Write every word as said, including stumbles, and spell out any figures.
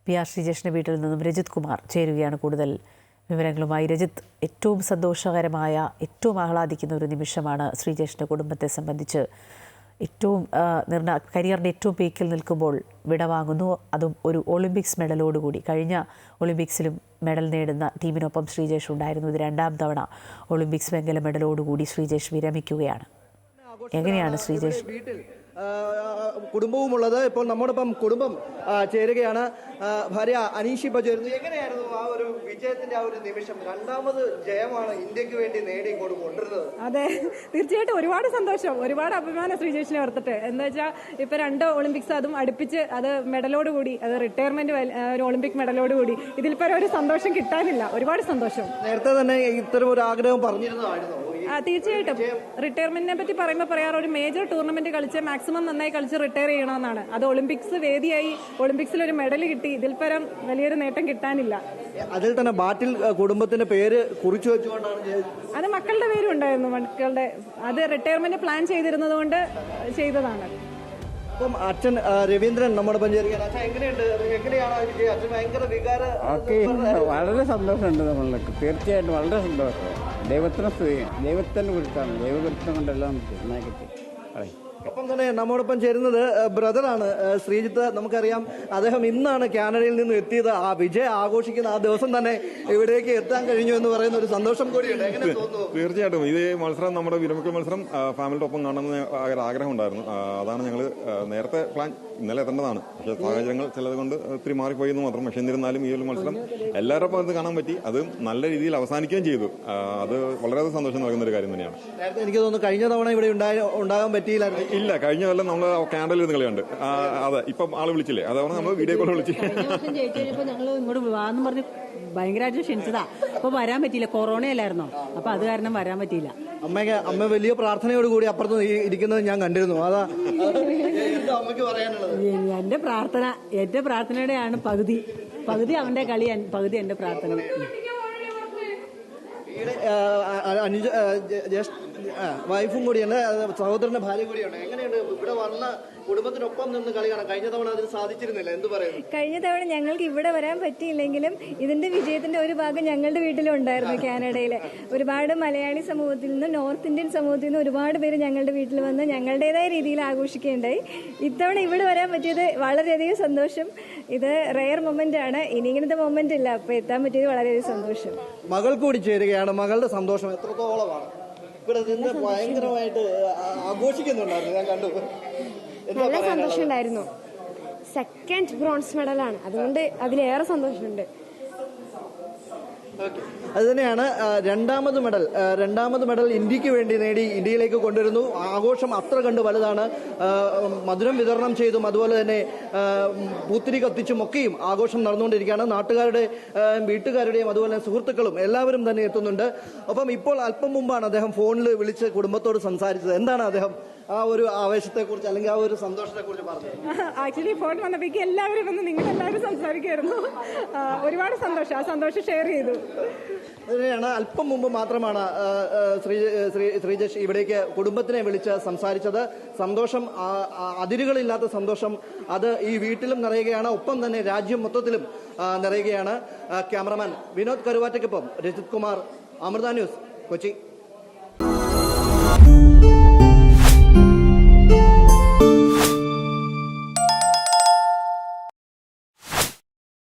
P R ശ്രീജേഷിൻ്റെ വീട്ടിൽ നിന്നും രജിത് കുമാർ ചേരുകയാണ് കൂടുതൽ വിവരങ്ങളുമായി. രജിത്ത്, ഏറ്റവും സന്തോഷകരമായ, ഏറ്റവും ആഹ്ലാദിക്കുന്ന ഒരു നിമിഷമാണ് ശ്രീജേഷിൻ്റെ കുടുംബത്തെ സംബന്ധിച്ച്. ഏറ്റവും നിർണ കരിയറിൻ്റെ ഏറ്റവും പീക്കിൽ നിൽക്കുമ്പോൾ വിടവാങ്ങുന്നു, അതും ഒരു ഒളിമ്പിക്സ് മെഡലോടുകൂടി. കഴിഞ്ഞ ഒളിമ്പിക്സിലും മെഡൽ നേടുന്ന ടീമിനൊപ്പം ശ്രീജേഷ് ഉണ്ടായിരുന്നു. ഇത് രണ്ടാം തവണ ഒളിമ്പിക്സ് വെങ്കല മെഡലോടുകൂടി ശ്രീജേഷ് വിരമിക്കുകയാണ്. എങ്ങനെയാണ് ശ്രീജേഷ് കുടുംബവുമുള്ളത്? ഇപ്പോൾ നമ്മോടൊപ്പം കുടുംബം ചേരുകയാണ്. ഭാര്യ അനീഷ് ഇപ്പോൾ ചേരുന്നു. എങ്ങനെയായിരുന്നു ആ ഒരു വിജയത്തിന്റെ ആ ഒരു നിമിഷം? രണ്ടാമത് ജയമാണ് ഇന്ത്യക്ക് വേണ്ടി നേടി കൊണ്ടുവരുന്നത്. അതെ, തീർച്ചയായിട്ടും ഒരുപാട് സന്തോഷം, ഒരുപാട് അഭിമാനം ശ്രീജേഷിനെ ഓർത്തിട്ട്. എന്താ വെച്ചാൽ ഇപ്പൊ രണ്ട് ഒളിമ്പിക്സ് അതും അടുപ്പിച്ച്, അത് മെഡലോട് കൂടി, അത് റിട്ടയർമെന്റ് ഒരു ഒളിമ്പിക് മെഡലോട് കൂടി. ഇതിൽ പരം ഒരു സന്തോഷം കിട്ടാനില്ല. ഒരുപാട് സന്തോഷം. നേരത്തെ തന്നെ ഇത്തരം ഒരു ആഗ്രഹം പറഞ്ഞിരുന്നതായിരുന്നു. ആ തീർച്ചയായിട്ടും റിട്ടയർമെന്റിനെ പറ്റി പറയുമ്പോൾ പറയാറ് ഒരു മേജർ ടൂർണമെന്റ് കളിച്ച് മാക്സിമം നന്നായി കളിച്ച് റിട്ടയർ ചെയ്യണമെന്നാണ്. അത് ഒളിമ്പിക്സ് വേദിയായി, ഒളിമ്പിക്സിൽ ഒരു മെഡൽ കിട്ടി. ഇതിൽ പരം വലിയൊരു നേട്ടം കിട്ടാനില്ല. അതിൽ തന്നെ ബാറ്റിൽ കുടുംബത്തിന്റെ പേര് കുറിച്ചു വെച്ചുകൊണ്ടാണ്. അത് മക്കളുടെ പേരും ഉണ്ടായിരുന്നു. മക്കളുടെ അത് റിട്ടയർമെന്റ് പ്ലാൻ ചെയ്തിരുന്നത് കൊണ്ട് ചെയ്തതാണ്. അപ്പം അച്ഛൻ രവീന്ദ്രൻ നമ്മുടെ പഞ്ചായത്ത് അച്ഛൻ എങ്ങനെയുണ്ട്? എങ്ങനെയാണ് അച്ഛൻ? ഭയങ്കര വികാര വളരെ സന്തോഷമുണ്ട് നമ്മൾക്ക്. തീർച്ചയായിട്ടും വളരെ സന്തോഷം. ദൈവത്തിന് സ്തുതി. ദൈവത്തിന് കുറിച്ചാണ്. ദൈവകുറിച്ചം കൊണ്ടെല്ലാം കിട്ടി. ഒപ്പം തന്നെ നമ്മോടൊപ്പം ചേരുന്നത് ബ്രദറാണ് ശ്രീജിത്ത്. നമുക്കറിയാം അദ്ദേഹം ഇന്നാണ് കാനഡയിൽ നിന്ന് എത്തിയത്. ആ വിജയം ആഘോഷിക്കുന്ന ആ ദിവസം തന്നെ ഇവിടേക്ക് എത്താൻ കഴിഞ്ഞു എന്ന് പറയുന്ന ഒരു സന്തോഷം കൂടിയുണ്ട്. എങ്ങനെ തോന്നുന്നു? തീർച്ചയായിട്ടും ഇത് മത്സരം, നമ്മുടെ വിരമിക്കൽ മത്സരം ഫാമിലിയുടെ ഒപ്പം കാണണമെന്ന് ഒരു ആഗ്രഹം ഉണ്ടായിരുന്നു. അതാണ് ഞങ്ങൾ നേരത്തെ പ്ലാൻ ഇന്നലെ എത്തേണ്ടതാണ്. പക്ഷേ സാഹചര്യങ്ങൾ ചിലത് കൊണ്ട് ഒത്തിരി മാറിപ്പോയി എന്ന് മാത്രം. പക്ഷെ എന്നിരുന്നാലും ഈ ഒരു മത്സരം എല്ലാവരോടൊപ്പം അത് കാണാൻ പറ്റി. അത് നല്ല രീതിയിൽ അവസാനിക്കുകയും ചെയ്തു. അത് വളരെയധികം സന്തോഷം നൽകുന്ന ഒരു കാര്യം തന്നെയാണ്. നേരത്തെ എനിക്ക് തോന്നുന്നു കഴിഞ്ഞ തവണ ഇവിടെ ഉണ്ടാകാൻ പറ്റിയില്ലായിരുന്നു. ഇല്ല, കഴിഞ്ഞ കൊല്ലം നമ്മൾ കാനഡയിൽ നിന്ന് കളിയുണ്ട്. അതെ, ഇപ്പം ആള് വിളിച്ചില്ലേ, അതവണ നമ്മൾ വീഡിയോ കോൾ വിളിച്ചു. ഞങ്ങൾ ഇങ്ങോട്ട് വാന്ന് പറഞ്ഞ് ഭയങ്കരമായിട്ട് ക്ഷണിച്ചതാ. അപ്പൊ വരാൻ പറ്റിയില്ല, കൊറോണയല്ലായിരുന്നോ. അപ്പൊ അത് കാരണം വരാൻ പറ്റിയില്ല. അമ്മയ്ക്ക് അമ്മ വലിയ പ്രാർത്ഥനയോടുകൂടി അപ്പുറത്ത് ഇരിക്കുന്നത് ഞാൻ കണ്ടിരുന്നു. അതാ അമ്മയ്ക്ക് പറയാനുള്ളത്. എന്റെ പ്രാർത്ഥന, എന്റെ പ്രാർത്ഥനയുടെയാണ് പകുതി പകുതി അവന്റെ കളി, പകുതി എന്റെ പ്രാർത്ഥന. വൈഫും കൂടിയുണ്ട്, സഹോദരന്റെ ഭാര്യ കൂടിയുണ്ട്. എങ്ങനെയുണ്ട് ഇവിടെ വന്ന കുടുംബത്തിനൊപ്പം നിന്ന് കളി കാണാൻ? കഴിഞ്ഞ തവണ അതിന് സാധിച്ചിരുന്നില്ല, എന്ത് പറയുന്നു? കഴിഞ്ഞ തവണ ഞങ്ങൾക്ക് ഇവിടെ വരാൻ പറ്റിയില്ലെങ്കിലും ഇതിന്റെ വിജയത്തിന്റെ ഒരു ഭാഗം ഞങ്ങളുടെ വീട്ടിലും ഉണ്ടായിരുന്നു. കാനഡയിലെ ഒരുപാട് മലയാളി സമൂഹത്തിൽ നിന്ന്, നോർത്ത് ഇന്ത്യൻ സമൂഹത്തിൽ നിന്ന് ഒരുപാട് പേര് ഞങ്ങളുടെ വീട്ടിൽ വന്ന് ഞങ്ങളുടേതായ രീതിയിൽ ആഘോഷിക്കുകയുണ്ടായി. ഇത്തവണ ഇവിടെ വരാൻ പറ്റിയത് വളരെയധികം സന്തോഷം. ഇത് റെയർ മൊമെന്റ് ആണ്. ഇനി ഇങ്ങനത്തെ മൊമെന്റ് ഇല്ല. അപ്പൊ എത്താൻ പറ്റിയത് വളരെയധികം സന്തോഷം. മകൾ കൂടി ചേരുകയാണ്. മകളുടെ സന്തോഷം എത്രത്തോളമാണ്? ഇവിടെ നിന്ന് ഭയങ്കരമായിട്ട് ആഘോഷിക്കുന്നുണ്ടായിരുന്നു, ഞാൻ കണ്ടു. നല്ല സന്തോഷം ഉണ്ടായിരുന്നു. സെക്കൻഡ് ബ്രോൺസ് മെഡലാണ്, അതുകൊണ്ട് അതിലേറെ സന്തോഷമുണ്ട്. അത് തന്നെയാണ് രണ്ടാമത് മെഡൽ. രണ്ടാമത് മെഡൽ ഇന്ത്യക്ക് വേണ്ടി നേടി ഇന്ത്യയിലേക്ക് കൊണ്ടുവരുന്നു. ആഘോഷം അത്ര കണ്ട് വലുതാണ്. മധുരം വിതരണം ചെയ്തും അതുപോലെ തന്നെ പൂത്തിരി കത്തിച്ചും ഒക്കെയും ആഘോഷം നടന്നുകൊണ്ടിരിക്കുകയാണ്. നാട്ടുകാരുടെ, വീട്ടുകാരുടെയും അതുപോലെ തന്നെ സുഹൃത്തുക്കളും എല്ലാവരും തന്നെ എത്തുന്നുണ്ട്. ഒപ്പം ഇപ്പോൾ അല്പം മുമ്പാണ് അദ്ദേഹം ഫോണിൽ വിളിച്ച് കുടുംബത്തോട് സംസാരിച്ചത്. എന്താണ് അദ്ദേഹം ആ ഒരു ആവേശത്തെ കുറിച്ച് അല്ലെങ്കിൽ ആ ഒരു സന്തോഷത്തെ കുറിച്ച് പറഞ്ഞത്? ആക്ച്വലി ഫോൺ വന്നപ്പോഴേക്കും എല്ലാവരും വന്ന് നിങ്ങളെല്ലാവരും സംസാരിക്കുമായിരുന്നു. ഒരുപാട് സന്തോഷം, ആ സന്തോഷം ഷെയർ ചെയ്തു. അതിനെയാണ് അല്പം മുമ്പ് മാത്രമാണ് ശ്രീ ശ്രീജേഷ് ഇവിടേക്ക് കുടുംബത്തിനെ വിളിച്ച് സംസാരിച്ചത്. സന്തോഷം, അതിരുകളില്ലാത്ത സന്തോഷം, അത് ഈ വീട്ടിലും നിറയുകയാണ്, ഒപ്പം തന്നെ രാജ്യം മൊത്തത്തിലും നിറയുകയാണ്. ക്യാമറമാൻ വിനോദ് കരുവാറ്റയ്ക്കൊപ്പം രജിത് കുമാർ, അമൃത ന്യൂസ്, കൊച്ചി.